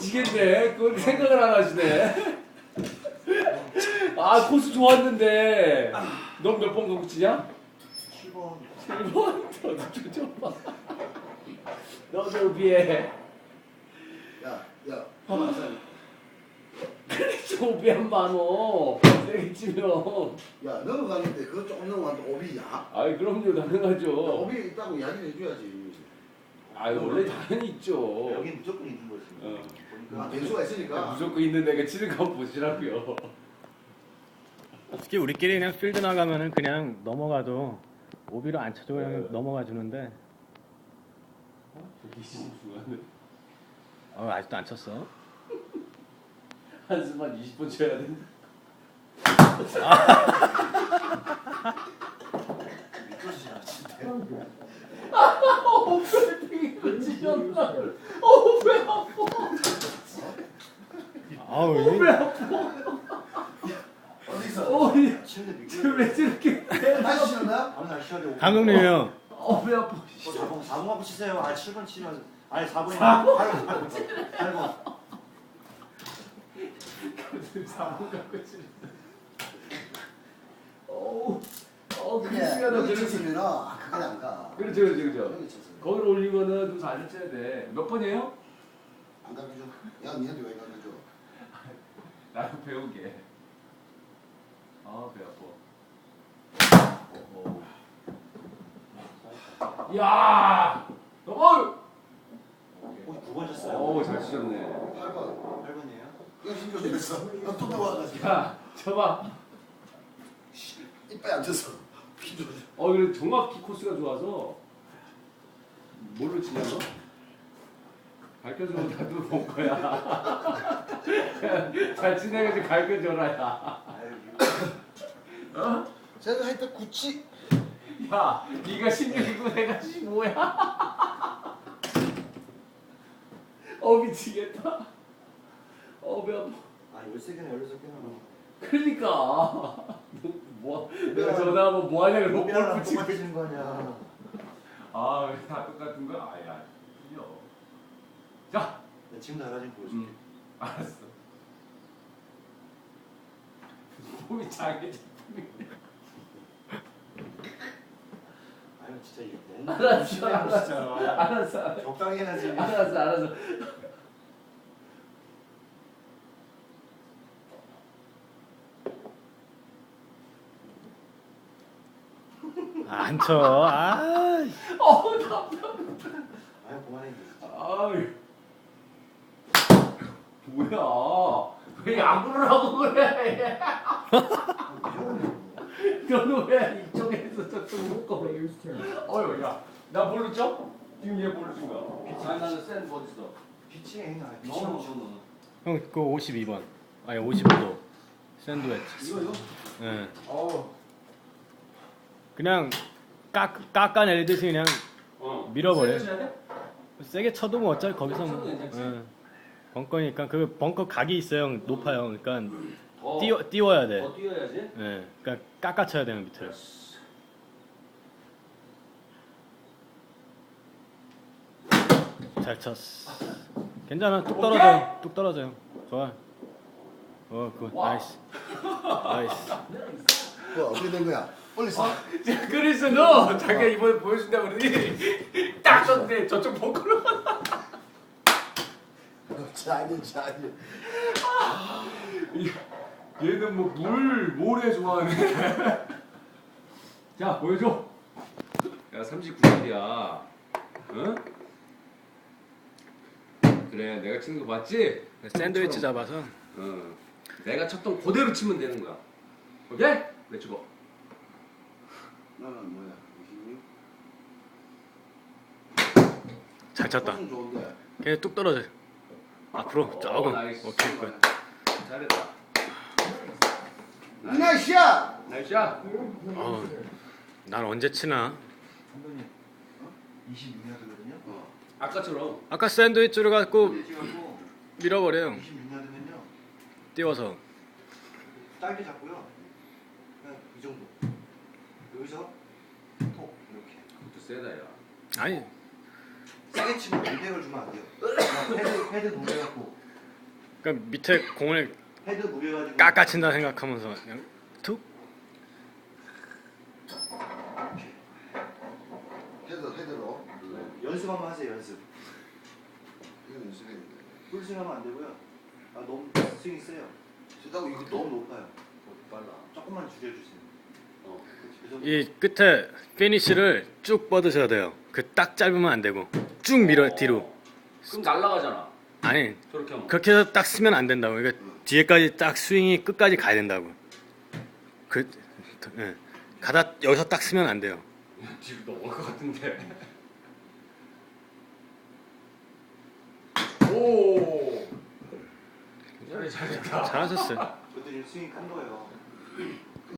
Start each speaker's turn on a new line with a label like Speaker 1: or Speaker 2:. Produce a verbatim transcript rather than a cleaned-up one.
Speaker 1: 미치겠네. 그걸 생각을 안 하시네. 아 코스 좋았는데. 넌 몇 번 갖고 치냐?
Speaker 2: 칠 번.
Speaker 1: 칠 번? 너도 좀 봐. 너도 비해.
Speaker 3: 야, 야.
Speaker 1: 그래 오비 한 만원. 세게 치면.
Speaker 3: 야, 넘어가는데 그거 조금 넘어가는데 오비야?
Speaker 1: 아이 그럼요 가능하죠.
Speaker 3: 오비 있다고 이야기를 해줘야지.
Speaker 1: 아이 원래 당연히 있죠.
Speaker 2: 여기 무조건 있는 거지.
Speaker 1: 어.
Speaker 2: 보니까.
Speaker 3: 아, 변수가 있으니까.
Speaker 1: 무조건 있는 애가 치는 거 보시라고요.
Speaker 4: 특히 우리끼리 그냥 필드 나가면은 그냥 넘어가도 오비로 안 쳐도 그냥
Speaker 1: 네.
Speaker 4: 넘어가 주는데
Speaker 1: 저기 심중하네.
Speaker 4: 어, 아직도 안 쳤어.
Speaker 1: 한숨만 이십 분 쳐야 된다.
Speaker 2: 미끄러지지 않는데.
Speaker 1: 어, 벨팅이 찢었나? 어, 배 아파.
Speaker 4: 아우
Speaker 1: 어, 배
Speaker 4: 이-
Speaker 1: 아파.
Speaker 3: 어디서?
Speaker 1: 어, 이-
Speaker 2: 치는데
Speaker 1: 지금
Speaker 2: 미끄러져.
Speaker 1: 왜 저렇게
Speaker 3: 다시 치는다?
Speaker 2: 아무 날 시합에
Speaker 4: 감독님이요.
Speaker 1: 어, 배 아파.
Speaker 2: 사 번, 사 번 갖고 치세요. 아, 칠 번 치면. 아니, 사 번이
Speaker 1: 사 번?
Speaker 2: 팔 번, 팔 번. 팔 번.
Speaker 1: 사고 갖고 치는. 어우, 어, 그
Speaker 3: 근데
Speaker 1: 시간은
Speaker 3: 여기
Speaker 1: 그렇지.
Speaker 3: 쳤으면은 아, 그게 안 가.
Speaker 1: 그렇죠, 그렇죠, 그렇죠.
Speaker 3: 여기 쳤으면.
Speaker 1: 거기를 올리면은 좀 잘 쳐야 돼. 몇 번이에요?
Speaker 3: 안 가르쳐. 야, 니한테 왜 가르쳐?
Speaker 1: 나도 배우게. 아, 배 아파. 어, 어. 야! 어!
Speaker 2: 오, 구 번 쳤어요.
Speaker 1: 어, 잘 치셨네.
Speaker 3: 팔 번.
Speaker 2: 팔 번이에요?
Speaker 3: 야, 신경 쓰였어. 너또 나와가지고.
Speaker 1: 야, 쳐봐.
Speaker 3: 이빨 안 쳤어. 피도.
Speaker 1: 어, 그래 정확히 코스가 좋아서 뭘로 치냐 너? 가르쳐주면 나도 볼 거야. 잘 치내가지고 가르쳐줘라 야.
Speaker 2: 아유,
Speaker 1: 어?
Speaker 3: 제가 했던 구치.
Speaker 1: 야, 네가 십육이고 내가 십오야. 어 미치겠다. 어 배 아파.
Speaker 2: 아, 열세 개나 열여섯 개나.
Speaker 1: 그러니까 뭐 내가 전화하면 뭐 하냐 그러고 뭘
Speaker 2: 로비랑
Speaker 1: 붙이고.
Speaker 2: 똑같이 치는 거 아니야.
Speaker 1: 아, 다 똑같은 거야? 아야, 틀려. 자,
Speaker 2: 나 지금 나가진 보여줄게.
Speaker 1: 음, 알았어. 몸이 장애 작품이.
Speaker 2: 아유, 진짜 이거 너무
Speaker 1: 알았어,
Speaker 2: 무심해요,
Speaker 1: 알았어,
Speaker 2: 진짜.
Speaker 1: 알았어,
Speaker 2: 적당히 해야지.
Speaker 1: 알았어, 알았어.
Speaker 4: 안 쳐. 아,
Speaker 1: 어, 답답해.
Speaker 2: 아유, 그만해.
Speaker 1: 아유, 뭐야? 왜 야구를 하고 그래? 너는 왜 이쪽에서 저쪽 묶어? 어휴, 야, 나 뭘로 쳐? 지금 얘 뭘로 친 거야? 아니, 나는 센 어디 있어?
Speaker 2: 피칭, 아, 피칭
Speaker 1: 너무
Speaker 2: 못 쳐, 너는.
Speaker 4: 형 그거 오십이 번. 아니 오십오 도. 샌드위치.
Speaker 1: 이거 이거?
Speaker 4: 예.
Speaker 1: 어.
Speaker 4: 그냥 깎 깎아내리듯이 그냥
Speaker 1: 어.
Speaker 4: 밀어버려.
Speaker 1: 세게 쳐야 돼?
Speaker 4: 세게 쳐도 뭐 어차피 거기서
Speaker 1: 쳐도
Speaker 4: 뭐.
Speaker 1: 괜찮지.
Speaker 4: 예. 벙커니까 그 벙커 각이 있어요. 높아요. 그러니까
Speaker 1: 더,
Speaker 4: 띄워 띄워야 돼.
Speaker 1: 더 뛰어야지.
Speaker 4: 예. 그러니까 깎아 쳐야 되는 밑을. 잘 쳤어. 괜찮아. 뚝 떨어져. 뚝 떨어져요. 좋아. 어, 굿.
Speaker 1: 와.
Speaker 4: 나이스. 나이스.
Speaker 3: 뭐 어떻게 된 거야? 빨리 써.
Speaker 1: 그래서 너 자기가 이번에 보여준다 그러니 딱 쳤는데 저쪽 벙커로.
Speaker 3: 자기 자기.
Speaker 1: 얘는 뭐 물 모래 좋아하네. 자 보여줘. 야 삼십구 살이야. 응? 그래 내가 치는 거 봤지?
Speaker 4: 샌드위치 잡아서.
Speaker 1: 응. 내가 쳤던 그대로 치면 되는 거야. 오케이? 내 주고.
Speaker 3: 너는 뭐야?
Speaker 4: 잘 쳤다.
Speaker 3: 훨씬 좋은데.
Speaker 4: 걔 뚝 떨어져. 앞으로
Speaker 1: 어,
Speaker 4: 조금.
Speaker 1: 나이스.
Speaker 4: 오케이 굿.
Speaker 1: 잘했다.
Speaker 3: 나이스야.
Speaker 1: 나이스야.
Speaker 4: 어, 난 언제 치나?
Speaker 2: 감독님, 이십육 야드거든요.
Speaker 3: 어.
Speaker 1: 아까처럼.
Speaker 4: 아까 샌드위치로 갖고
Speaker 2: 찍어고
Speaker 4: 밀어버려요.
Speaker 2: 이십육 야드면요.
Speaker 4: 띄워서.
Speaker 2: 짧게 잡고요. 그냥 이 정도. 여기서 톡 이렇게.
Speaker 1: 그것도 세다 야.
Speaker 4: 아니
Speaker 2: 세게 치면 공백을 주면 안 돼요. 그냥 패드 패드 동작갖고
Speaker 4: 그러니까 밑에 공을
Speaker 2: 헤드 무게 가지고
Speaker 4: 깎아친다 생각하면서 그냥 툭.
Speaker 3: 헤드 헤드로.
Speaker 2: 연습 한번 하세요. 연습.
Speaker 3: 이건 연습했는데.
Speaker 2: 풀스윙하면 안 되고요. 아 너무 스윙이 세요.
Speaker 3: 쓰다고 이거
Speaker 2: 너무
Speaker 3: 너무
Speaker 2: 높아요.
Speaker 1: 빨라.
Speaker 2: 조금만 줄여주세요.
Speaker 1: 어.
Speaker 2: 그 정도.
Speaker 4: 이 끝에 피니쉬를 쭉 뻗으셔야 돼요. 그 딱 짧으면 안 되고 쭉 밀어 뒤로.
Speaker 1: 그럼 날라가잖아.
Speaker 4: 아니
Speaker 1: 저렇게 하면.
Speaker 4: 그렇게 해서 딱 쓰면 안 된다고. 그러니까 뒤에까지 딱 스윙이 끝까지 가야 된다고. 그 예. 가다 여기서 딱 쓰면 안 돼요.
Speaker 1: 뒤로 넘어올 것 같은데. 오. 잘해 잘했다.
Speaker 4: 잘하셨어요.
Speaker 2: 저도 지금 스윙 큰 거예요.